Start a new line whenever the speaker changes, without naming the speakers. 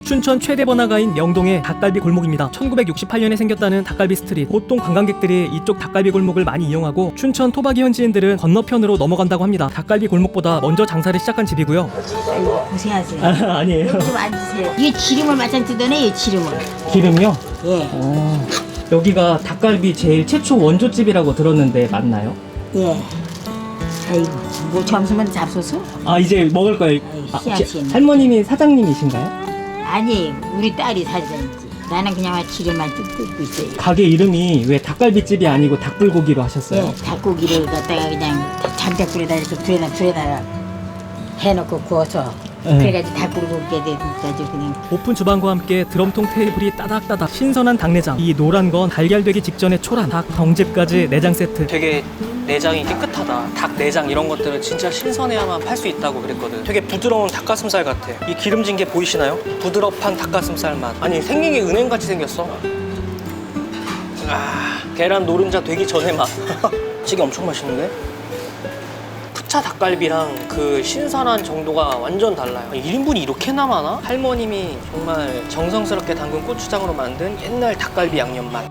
춘천 최대 번화가인 명동의 닭갈비 골목입니다. 1968년에 생겼다는 닭갈비 스트릿. 보통 관광객들이 이쪽 닭갈비 골목을 많이 이용하고 춘천 토박이 현지인들은 건너편으로 넘어간다고 합니다. 닭갈비 골목보다 먼저 장사를 시작한 집이고요.
아이고, 고생하세요.
아니에요.
여기 좀 앉으세요. 이게 기름을 마찬 뜨더네, 이 기름을.
기름이요?
예,
여기가 닭갈비 제일 최초 원조집이라고 들었는데 맞나요?
예. 아이고, 뭐 점심은 잡숴서?
아 이제 먹을 거예요.
희한하시네.
할머님이 사장님이신가요?
아니, 우리 딸이 사장이지. 나는 그냥 기름만 뜯고 있어요.
가게 이름이 왜 닭갈비집이 아니고 닭불고기로 하셨어요?
예, 닭고기를 갖다가 그냥 장작불에다 이렇게 불에다 해놓고 구워서
네.
그래가지고 닭불고기에 돼가지고 그냥.
오픈 주방과 함께 드럼통 테이블이 따닥따닥, 신선한 닭내장, 이 노란 건 달걀되기 직전의 초란, 닭 경집까지 내장 세트. 되게 내장이 깨끗하다. 닭 내장 이런 것들은 진짜 신선해야만 팔 수 있다고 그랬거든. 되게 부드러운 닭가슴살 같아. 이 기름진 게 보이시나요? 부드럽한 닭가슴살 맛. 아니 생긴 게 은행같이 생겼어. 계란 노른자 되기 전에 맛. 찌개 엄청 맛있는데? 푸차 닭갈비랑 그 신선한 정도가 완전 달라요. 1인분이 이렇게나 많아? 할머님이 정말 정성스럽게 담근 고추장으로 만든 옛날 닭갈비 양념 맛.